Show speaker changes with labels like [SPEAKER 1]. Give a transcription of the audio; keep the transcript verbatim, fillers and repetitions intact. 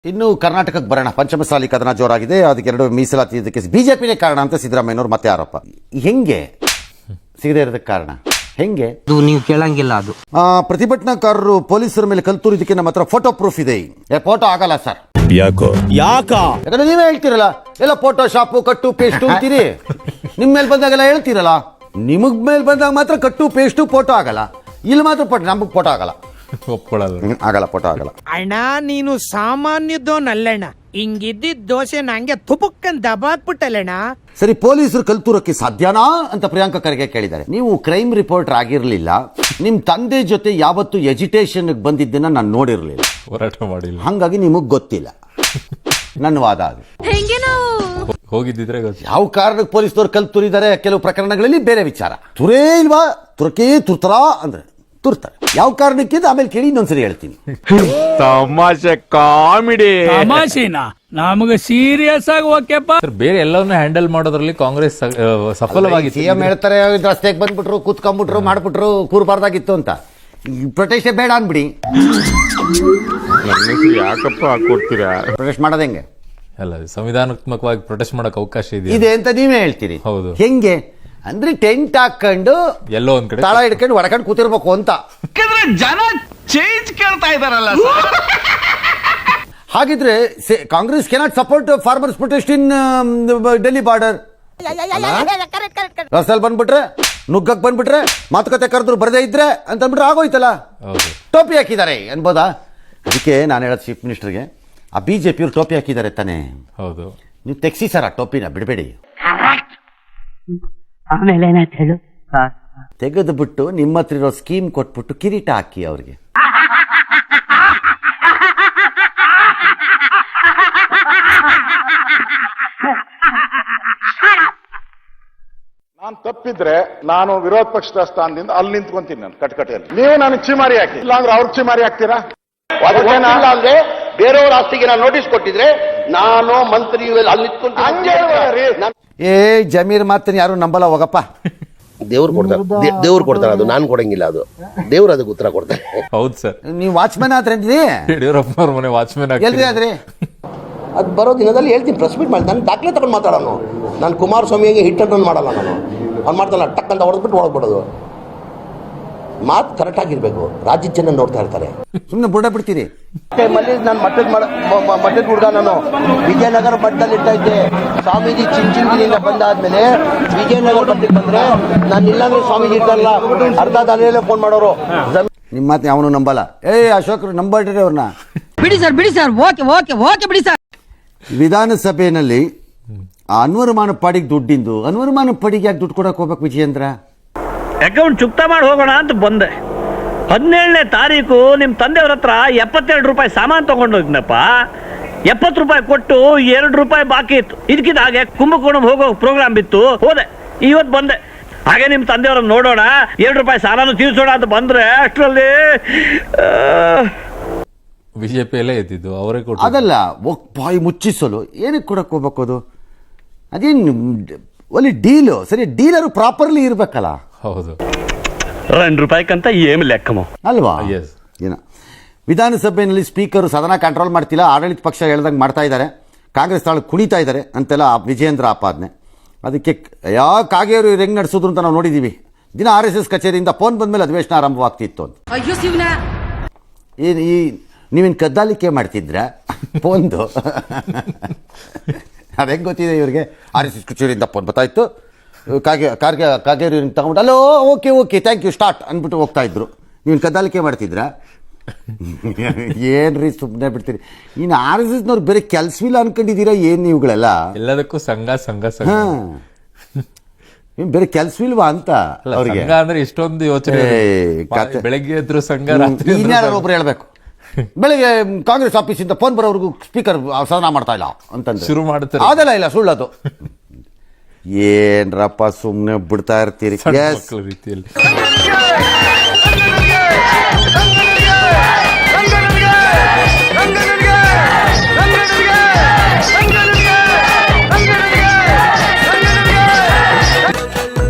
[SPEAKER 1] ಇನ್ನು ಕರ್ನಾಟಕಕ್ಕೆ ಬರೋಣ. ಪಂಚಮಸಾಲಿ ಕದನ ಜೋರಾಗಿದೆ. ಅದಕ್ಕೆ ಎರಡು ಮೀಸಲಾತಿ ಇದಕ್ಕೆ ಬಿಜೆಪಿನೇ ಕಾರಣ ಅಂತ ಸಿದ್ದರಾಮಯ್ಯನವರು ಮತ್ತೆ ಆರೋಪ. ಹೆಂಗೆ ಸಿಗದೇ ಇರೋದಕ್ಕೆ ಕಾರಣ ಹೆಂಗೆ
[SPEAKER 2] ನೀವು ಕೇಳಂಗಿಲ್ಲ. ಅದು
[SPEAKER 1] ಪ್ರತಿಭಟನಾಕಾರರು ಪೊಲೀಸರ ಮೇಲೆ ಕಲ್ತೂರಿದಕ್ಕೆ ನಮ್ಮ ಹತ್ರ ಫೋಟೋ ಪ್ರೂಫ್ ಇದೆ. ಫೋಟೋ ಆಗಲ್ಲ ಸರ್.
[SPEAKER 3] ಯಾಕೋ ಯಾಕ
[SPEAKER 1] ಯಾಕಂದ್ರೆ ನೀವೇ ಹೇಳ್ತಿರಲ್ಲ ಎಲ್ಲ ಫೋಟೋ ಶಾಪು ಕಟ್ಟು ಪೇಸ್ಟು ಅಂತೀರಿ. ನಿಮ್ ಮೇಲೆ ಬಂದಾಗೆಲ್ಲ ಹೇಳ್ತಿರಲ್ಲ. ನಿಮಗ್ ಮೇಲೆ ಬಂದಾಗ ಮಾತ್ರ ಕಟ್ಟು ಪೇಸ್ಟು ಫೋಟೋ ಆಗಲ್ಲ. ಇಲ್ಲಿ ಮಾತ್ರ ಫೋಟೋ, ನಮಗ್ ಫೋಟೋ ಆಗಲ್ಲ.
[SPEAKER 3] ಒಪ್ಕೊಳ್ಳಲ್ಲ,
[SPEAKER 1] ಆಗಲ್ಲ, ಫೋಟೋ ಆಗಲ್ಲ.
[SPEAKER 4] ಅಣ್ಣ ನೀನು ಸಾಮಾನ್ಯದೋನಲ್ಲಣ್ಣ. ಹಿಂಗಿದ್ದಿದ್ದ ದೋಸೆ ನಂಗೆ ತುಪಕ್ಕನ್ ದಬಾಕ್ಬಿಟ್ಟಲ್ಲಣ್ಣ.
[SPEAKER 1] ಸರಿ, ಪೊಲೀಸರು ಕಲ್ತೂರಕ್ಕೆ ಸಾಧ್ಯನಾ ಅಂತ ಪ್ರಿಯಾಂಕಾ ಖರ್ಗೆ ಕೇಳಿದ್ದಾರೆ. ನೀವು ಕ್ರೈಮ್ ರಿಪೋರ್ಟರ್ ಆಗಿರ್ಲಿಲ್ಲ, ನಿಮ್ ತಂದೆ ಜೊತೆ ಯಾವತ್ತು ಎಜುಟೇಷನ್ ಬಂದಿದ್ದನ್ನ ನಾನು ನೋಡಿರ್ಲಿಲ್ಲ,
[SPEAKER 3] ಹೋರಾಟ ಮಾಡಿಲ್ಲ,
[SPEAKER 1] ಹಂಗಾಗಿ ನಿಮಗ್ ಗೊತ್ತಿಲ್ಲ. ನನ್ನ ವಾದ ಅದು.
[SPEAKER 3] ಹೋಗಿದ್ದಿದ್ರೆ ಗೊತ್ತು.
[SPEAKER 1] ಯಾವ ಕಾರಣಕ್ಕೆ ಪೊಲೀಸ್ನವ್ರು ಕಲ್ ತುರಿದ್ದಾರೆ ಕೆಲವು ಪ್ರಕರಣಗಳಲ್ಲಿ ಬೇರೆ ವಿಚಾರ. ತುರೇ ಇಲ್ವಾ, ತುರಕೇ ತುರ್ತಾರ ಅಂದ್ರೆ ತುರ್ತಾರೆ. ಯಾವ ಕಾರಣಕ್ಕೆ ಆಮೇಲೆ ಕೇಳಿ ಇನ್ನೊಂದ್ಸರಿ ಹೇಳ್ತೀನಿ.
[SPEAKER 3] ತಮಾಷೆ ಕಾಮಿಡಿ
[SPEAKER 5] ತಮಾಷೆನಾ? ನಮಗೆ ಸೀರಿಯಸ್ ಆಗಿ ಓಕೆಪ್ಪ.
[SPEAKER 3] ಬೇರೆ ಎಲ್ಲವನ್ನ ಹ್ಯಾಂಡಲ್ ಮಾಡೋದ್ರಲ್ಲಿ ಕಾಂಗ್ರೆಸ್ ಸಫಲವಾಗಿ.
[SPEAKER 1] ಸಿಎಂ ಹೇಳ್ತಾರೆ ರಸ್ತೆಗೆ ಬಂದ್ಬಿಟ್ರು, ಕೂತ್ಕೊಂಡ್ಬಿಟ್ರು, ಮಾಡ್ಬಿಟ್ರು, ಕೂರ್ಬಾರ್ದಾಗಿತ್ತು ಅಂತ. ಪ್ರೊಟೆಸ್ಟ್ ಬೇಡ ಅನ್ಬಿಡಿ.
[SPEAKER 3] ಯಾಕಪ್ಪ ಕೊಡ್ತೀರಾ?
[SPEAKER 1] ಪ್ರೊಟೆಸ್ಟ್ ಮಾಡೋದು ಹೆಂಗೆ?
[SPEAKER 3] ಅಲ್ಲ, ಸಂವಿಧಾನಾತ್ಮಕವಾಗಿ ಪ್ರೊಟೆಸ್ಟ್ ಮಾಡಕ್ ಅವಕಾಶ ಇದೆ
[SPEAKER 1] ಇದೆ ಅಂತ ನೀವೇ ಹೇಳ್ತೀರಿ.
[SPEAKER 3] ಹೌದು.
[SPEAKER 1] ಹೆಂಗೆ ಅಂದ್ರೆ ಟೆಂಟ್ ಹಾಕೊಂಡು
[SPEAKER 3] ಎಲ್ಲೋ ಒಂದ್ ಕಡೆ
[SPEAKER 1] ತಾಳ ಹಿಡ್ಕೊಂಡು ಹೊಡ್ಕೊಂಡು ಕೂತಿರ್ಬೇಕು ಅಂತ.
[SPEAKER 6] ಜನ ಚೇಂಜ್ ಕೇಳ್ತಾ ಇದಾರಲ್ಲ.
[SPEAKER 1] ಹಾಗಿದ್ರೆ Congress cannot support farmers protest in Delhi border. ರಸ್ತೆಲ್ ಬಂದ್ಬಿಟ್ರೆ, ನುಗ್ಗಕ್ ಬಂದ್ಬಿಟ್ರೆ, ಮಾತುಕತೆ ಕರೆದ್ರು ಬರದೇ ಇದ್ರೆ ಅಂತ ಅಂದ್ಬಿಟ್ರೆ ಆಗೋಯ್ತಲ್ಲ. ಟೋಪಿ ಹಾಕಿದ್ದಾರೆ ಅನ್ಬೋದಾ? ಅದಕ್ಕೆ ನಾನು ಹೇಳೋದು ಚೀಫ್ ಮಿನಿಸ್ಟರ್ಗೆ, ಆ ಬಿಜೆಪಿಯವ್ರು ಟೋಪಿ ಹಾಕಿದ್ದಾರೆ ತಾನೆ.
[SPEAKER 3] ಹೌದು,
[SPEAKER 1] ನೀವು ತೆಗ್ಸಿ ಸರ್ ಆ ಟೋಪಿನ, ಬಿಡಬೇಡಿ.
[SPEAKER 2] ಆಮೇಲೆ ಏನಾಯ್ತು ಹೇಳು?
[SPEAKER 1] ತೆಗೆದು ಬಿಟ್ಟು ನಿಮ್ಮ ಹತ್ರ ಇರೋ ಸ್ಕೀಮ್ ಕೊಟ್ಬಿಟ್ಟು ಕಿರೀಟ ಹಾಕಿ ಅವ್ರಿಗೆ.
[SPEAKER 7] ನಾನು ತಪ್ಪಿದ್ರೆ ನಾನು ವಿರೋಧ ಪಕ್ಷದ ಸ್ಥಾನದಿಂದ ಅಲ್ಲಿ ನಿಂತ್ಕೊಂತೀನಿ. ನಾನು ಕಟಕಟೆಯಲ್ಲಿ ನೀವು ನನಗೆ ಚಿಮಾರಿ ಹಾಕಿ, ಇಲ್ಲಾಂದ್ರೆ ಅವ್ರಿಗೆ ಚಿಮಾರಿ ಹಾಕ್ತೀರಾ?
[SPEAKER 8] ಅಂದ್ರೆ ಬೇರೆಯವ್ರ ಆಸ್ತಿಗೆ ನಾನು ನೋಟಿಸ್ ಕೊಟ್ಟಿದ್ರೆ ನಾನು ಮಂತ್ರಿ ಅಲ್ಲಿ ನಿಂತ್ಕೊಂಡು
[SPEAKER 1] ಏ ಜಮೀರ್ ಮಾತನ್ನ ಯಾರು ನಂಬಲ್ಲ, ಹೋಗಪ್ಪ.
[SPEAKER 8] ದೇವ್ರು ಕೊಡ್ತಾರೆ, ದೇವ್ರು ಕೊಡ್ತಾರೆ, ಅದು ನಾನು ಕೊಡಂಗಿಲ್ಲ, ಅದು ದೇವ್ರು ಅದಕ್ಕೆ ಉತ್ತರ ಕೊಡ್ತಾರೆ.
[SPEAKER 3] ಹೌದು ಸರ್.
[SPEAKER 1] ನೀವು ವಾಚ್ಮನ್ ಆದ್ರೆ
[SPEAKER 3] ಯಡಿಯೂರಪ್ಪನವ್ರ ಮನೆ ವಾಚ್ಮನ್
[SPEAKER 1] ಎಲ್ರಿ ಆದ್ರಿ?
[SPEAKER 8] ಅದು ಬರೋ ದಿನದಲ್ಲಿ ಹೇಳ್ತೀನಿ, ಪ್ರೆಸ್ ಮೀಟ್ ಮಾಡಿ ನಾನು ದಾಖಲೆ ತಗೊಂಡು ಮಾತಾಡೋನು. ನಾನು ಕುಮಾರಸ್ವಾಮಿಗೆ ಹಿಟ್ ಅಂಡ್ ರನ್ ಮಾಡಲ್ಲ. ನಾನು ಅವ್ನು ಮಾಡ್ತಾನಲ್ಲ ಟಕ್ ಅಂತ ಹೊಡೆದ್ಬಿಟ್ಟು ಹೊಡೆದ್ಬಿಡೋದು. ಮಾತು ಕರೆಕ್ಟ್ ಆಗಿರ್ಬೇಕು. ರಾಜ್ಯದ ಜನ ನೋಡ್ತಾ ಇರ್ತಾರೆ.
[SPEAKER 1] ಸುಮ್ಮನೆ ಬುಡ ಬಿಡ್ತೀರಿ.
[SPEAKER 8] ನಾನು ಮಠದ ಮಠದ ಹುಡುಗ, ನಾನು ವಿಜಯನಗರ ಮಠದಲ್ಲಿ ಇರ್ತಾ ಇದ್ದೆ. ಸ್ವಾಮೀಜಿ ಚಿಂಚಿಂಗಿನಿಂದ ಬಂದಾದ್ಮೇಲೆ ವಿಜಯನಗರ ಮಠಕ್ಕೆ ಬಂದ್ರೆ ನಾನು ಇಲ್ಲಾಂದ್ರೆ ಸ್ವಾಮೀಜಿ ಇರ್ತಾರಲ್ಲ ಅರ್ಧ ದಾನಿಯಲ್ಲೇ ಫೋನ್ ಮಾಡೋರು.
[SPEAKER 1] ನಿಮ್ಮ ಮಾತು ಯಾವನು ನಂಬಲ್ಲ. ಏ ಅಶೋಕ್ ನಂಬಡ್ರಿ ಅವ್ರನ್ನ.
[SPEAKER 2] ಬಿಡಿ ಸರ್, ಬಿಡಿ ಸರ್, ಓಕೆ ಓಕೆ ಓಕೆ ಬಿಡಿ ಸರ್.
[SPEAKER 1] ವಿಧಾನಸಭೆಯಲ್ಲಿ ಅನ್ವರ್ಮಾನ ಪಾಡಿಗೆ ದುಡ್ಡಿಂದು ಅನ್ವರ್ಮಾನ ಪಾಡಿಗೆ ಯಾಕೆ ದುಡ್ಡು ಕೊಡಕ್ ಹೋಗ್ಬೇಕು ವಿಜಯೇಂದ್ರ?
[SPEAKER 9] ಅಕೌಂಟ್ ಚುಕ್ತಾ ಮಾಡಿ ಹೋಗೋಣ ಅಂತ ಬಂದೆ. ಹದಿನೇಳನೇ ತಾರೀಕು ನಿಮ್ಮ ತಂದೆಯವ್ರ ಹತ್ರ ಎಪ್ಪತ್ತೆರಡು ರೂಪಾಯಿ ಸಾಮಾನು ತಗೊಂಡೋಗಿನಪ್ಪ. ಎಪ್ಪತ್ತು ರೂಪಾಯಿ ಕೊಟ್ಟು ಎರಡು ರೂಪಾಯಿ ಬಾಕಿ ಇತ್ತು. ಇದಕ್ಕಿದ ಹಾಗೆ ಕುಂಭಕೋಣಂ ಹೋಗೋ ಪ್ರೋಗ್ರಾಮ್ ಬಿತ್ತು, ಹೋದೆ. ಇವತ್ತು ಬಂದೆ. ಹಾಗೆ ನಿಮ್ಮ ತಂದೆಯವ್ರನ್ನ ನೋಡೋಣ, ಎರಡು ರೂಪಾಯಿ ಸಾಲನು ತೀರ್ಸೋಣ ಅಂತ ಬಂದ್ರೆ ಅಷ್ಟರಲ್ಲಿ
[SPEAKER 3] ಬಿಜೆಪಿಯಲ್ಲೇ ಇದ್ದಿದ್ದು ಅವರೇ ಕೊಟ್ಟು.
[SPEAKER 1] ಅದಲ್ಲ, ಬಾಯಿ ಮುಚ್ಚಿಸಲು ಏನಕ್ಕೆ ಕೊಡಕ್ ಹೋಗ್ಬೇಕು? ಅದು ಅದೇನು ಒಳ್ಳೆ ಡೀಲು. ಸರಿ, ಡೀಲರು ಪ್ರಾಪರ್ಲಿ ಇರ್ಬೇಕಲ್ಲ.
[SPEAKER 3] ಹೌದು,
[SPEAKER 9] రెండు ರೂಪಾಯಿಕಂತ ಏಮ್ ಲೆಕ್ಕಮೋ
[SPEAKER 1] ಅಲ್ವಾ?
[SPEAKER 3] Yes.
[SPEAKER 1] ಏನ ವಿಧಾನಸಭೆಯಲ್ಲಿ ಸ್ಪೀಕರ್ ಸದನ ಕಂಟ್ರೋಲ್ ಮಾಡ್ತಿಲ್ಲ, ಆಡಳಿತ ಪಕ್ಷ ಹೇಳ್ದಂಗೆ ಮಾಡ್ತಾ ಇದ್ದಾರೆ, ಕಾಂಗ್ರೆಸ್ ತಾಳು ಕುಣಿತಾ ಇದ್ದಾರೆ ಅಂತೆಲ್ಲ ವಿಜಯೇಂದ್ರ ಆಪಾದನೆ. ಅದಕ್ಕೆ ಯಾ ಕಾಗೇರು ಹೆಂಗ್ ನಡೆಸಿದ್ರು ಅಂತ ನಾವು ನೋಡಿದೀವಿ. ದಿನ ಆರ್ ಎಸ್ ಎಸ್ ಕಚೇರಿಯಿಂದ ಫೋನ್ ಬಂದ್ಮೇಲೆ ಅಧಿವೇಶನ ಆರಂಭವಾಗ್ತಿತ್ತು ಅಂತ. ಏನು ಈ ನೀವೇನು ಕದ್ದಾಲಿಕೆ ಮಾಡ್ತಿದ್ರ ಫೋನ್ದು? ಅದು ಹೆಂಗೆ ಗೊತ್ತಿದೆ ಇವ್ರಿಗೆ? ಆರ್ ಎಸ್ ಎಸ್ ಕಚೇರಿಯಿಂದ ಫೋನ್ ಬರ್ತಾಯಿತ್ತು, ಕಾಗೆ ಕಾರ್ಗೆ ಕಾಗೇರಿ ತಗೊಂಡು ಅಲ್ಲೋ okay okay thank you start ಅಂದ್ಬಿಟ್ಟು ಹೋಗ್ತಾ ಇದ್ರು. ನೀವೇನು ಕದ್ದಾಲಿಕೆ ಮಾಡ್ತಿದ್ರ? ಏನ್ರಿ ಸುಮ್ಮನೆ ಬಿಡ್ತೀರಿ. ಇನ್ನು ಆರ್ ಎಸ್ ಎಸ್ನವ್ರು ಬೇರೆ ಕೆಲಸವಿಲ್ಲ ಅನ್ಕೊಂಡಿದ್ದೀರಾ ಏನು ನೀವುಗಳೆಲ್ಲ?
[SPEAKER 3] ಎಲ್ಲದಕ್ಕೂ ಸಂಘ ಸಂಘ ಸಂಘ.
[SPEAKER 1] ಹಾ, ಬೇರೆ ಕೆಲಸವಿಲ್ವಾ ಅಂತ ಅವ್ರಿಗೆ
[SPEAKER 3] ಅಂದ್ರೆ ಇಷ್ಟೊಂದು ಯೋಚನೆ. ಬೆಳಗ್ಗೆ ಎದ್ರು ಸಂಘ,
[SPEAKER 1] ಇನ್ಯಾರು ಒಬ್ರು ಹೇಳ್ಬೇಕು, ಬೆಳಗ್ಗೆ ಕಾಂಗ್ರೆಸ್ ಆಫೀಸಿಂದ ಫೋನ್ ಬರೋವರೆಗೂ ಸ್ಪೀಕರ್ ಸದನ ಮಾಡ್ತಾ ಇಲ್ಲ ಅಂತಂದ್ರೆ
[SPEAKER 3] ಶುರು ಮಾಡ್ತಾರೆ.
[SPEAKER 1] ಅದೆಲ್ಲ ಇಲ್ಲ, ಸುಳ್ಳದು. ಏನ್ರಪ್ಪ ಸುಮ್ಮನೆ ಬಿಡ್ತಾ ಇರ್ತೀರಿ
[SPEAKER 3] ರೀತಿಯಲ್ಲಿ.